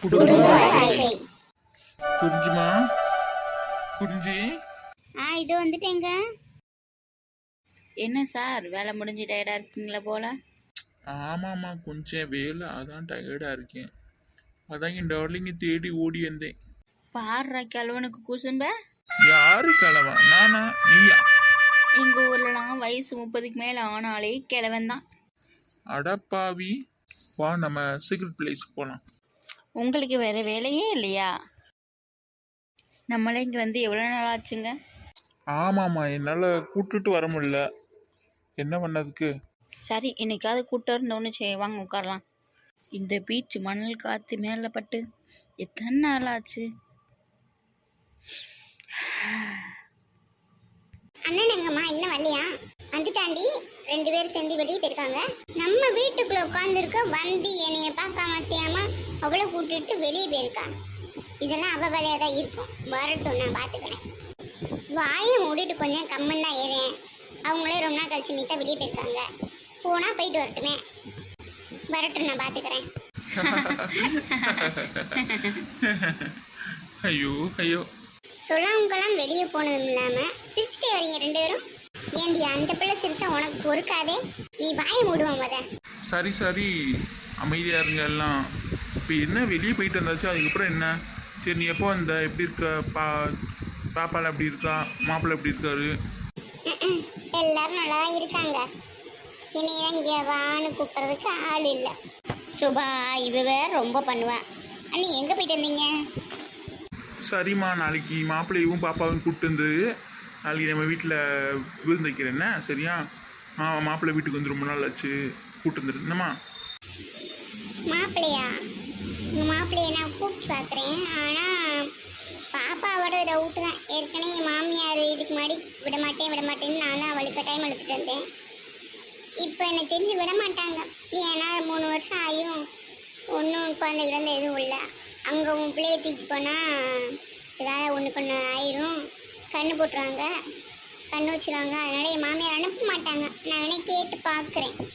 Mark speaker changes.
Speaker 1: குடும்ப வாழ்க்கை. குறிஞ்சிமா, குறிஞ்சி.
Speaker 2: இது வந்துட்டேங்க.
Speaker 3: என்ன சார் வேலை முடிஞ்சு டயர்டாக இருக்கீங்களா போல?
Speaker 1: ஆமாம்மா, கொஞ்சம் வேலை, அதான் டயர்டாக இருக்கேன். அதான் என் டார்லிங்கை தேடி ஓடி வந்தேன்.
Speaker 3: பாடுற கிழவனுக்கு குசும்ப.
Speaker 1: யாரு கிழவா? நானா நீயா?
Speaker 3: எங்கள் ஊர்லலாம் வயசு 30க்கு மேலே ஆனாலே கிழவன் தான்.
Speaker 1: அடப்பாவி, வா நம்ம சீக்ரெட் பிளேஸ்க்கு போகலாம்.
Speaker 3: உங்களுக்கு வேறு வேலையே இல்லையா? நம்மளே இங்கே வந்து எவ்வளோ நாள் ஆச்சுங்க?
Speaker 1: ஆமாம்மா, என்னால் கூப்பிட்டுட்டு வர முடியல, என்ன பண்ணதுக்கு.
Speaker 3: சரி, என்னைக்காவது கூட்டம் இருந்தோன்னு வாங்க உட்காரலாம். இந்த பீச் மணல் காற்று மேலே பட்டு எத்தனை நாள் ஆச்சு?
Speaker 2: அண்ணன் எங்கம்மா இன்னும் வரலையா? வந்துட்டாண்டி, 2 பேரும் சேர்ந்து வெளியே போயிருக்காங்க. நம்ம வீட்டுக்குள்ள உட்காந்துருக்க வந்து என்னைய பார்க்காம செய்யாம அவளை கூட்டிட்டு வெளியே போயிருக்கா. இதெல்லாம் அவ வேலையா தான் இருக்கும். வரட்டும், நான் பார்த்துக்கிறேன். வாயை மூடிட்டு கொஞ்சம் கம்மன் தான் ஏறேன். அவங்களே ரொம்ப நாள் கழிச்சு நீட்டா வெளியே போயிருக்காங்க. போனா போயிட்டு வரட்டுமே. வரட்டும், நான் பார்த்துக்கிறேன்.
Speaker 1: ஐயோ ஐயோ.
Speaker 2: சொல்லாமக்கெல்லாம் வெளியே போனதும் இல்லாம சிரிச்சுட்டே வரீங்க 2 பேரும். ஏண்டி அந்த பிள்ளை சிரிச்சா உனக்கு பொறுக்காதே? நீ வாயை மூடுவோம் முத.
Speaker 1: சரி சரி, அமைதியா இருங்க எல்லாம். இப்போ என்ன வெளியே போயிட்டு வந்தாச்சு, அதுக்கப்புறம் என்ன? சரி, நீ எப்போ வந்த? எப்படி இருக்க? பாப்பால எப்படி இருக்கா? மாப்பிள்ளை எப்படி இருக்காரு?
Speaker 2: எல்லாரும் நல்லா தான் இருக்காங்க. என்னையதான் இங்கே வான்னு கூப்பிட்றதுக்கு ஆள் இல்லை. சுபா இவ வேற ரொம்ப பண்ணுவேன். அண்ணி எங்கே போயிட்டு வந்தீங்க?
Speaker 1: சரிம்மா, நாளைக்கு மாப்பிள்ளையும் பாப்பாவும் கூப்பிட்டு வந்து நாளைக்கு நம்ம வீட்டில் விருந்து வைக்கிறேன்னா சரியா? மாப்பிள்ளை வீட்டுக்கு வந்து ரொம்ப நாள் ஆச்சு, கூப்பிட்டு வந்துடு என்னம்மா.
Speaker 2: மாப்பிள்ளையா? உங்கள் மாப்பிள்ளையை நான் கூப்பிட்டு பார்க்குறேன். ஆனால் பாப்பாவோட டவுட்டு தான். ஏற்கனவே என் மாமியார் இதுக்கு முன்னாடி விட மாட்டேன்னு நான் தான் அவளுக்கு டைம் எடுத்துகிட்டு வந்தேன். இப்போ எனக்கு தெரிஞ்சு விட மாட்டாங்க. ஏன்னா 3 வருஷம் ஆகியும் ஒன்றும் குழந்தைகள் வந்து எதுவும் இல்லை. அங்கே உன் பிள்ளையை தூக்கி போனால் ஏதாவது ஒன்று ஆயிரும், கண்ணு போட்டுருவாங்க, கண்ணு வச்சுருவாங்க. அதனால் என் மாமியார் அனுப்ப மாட்டாங்க. நான் வேணா கேட்டு பார்க்குறேன்.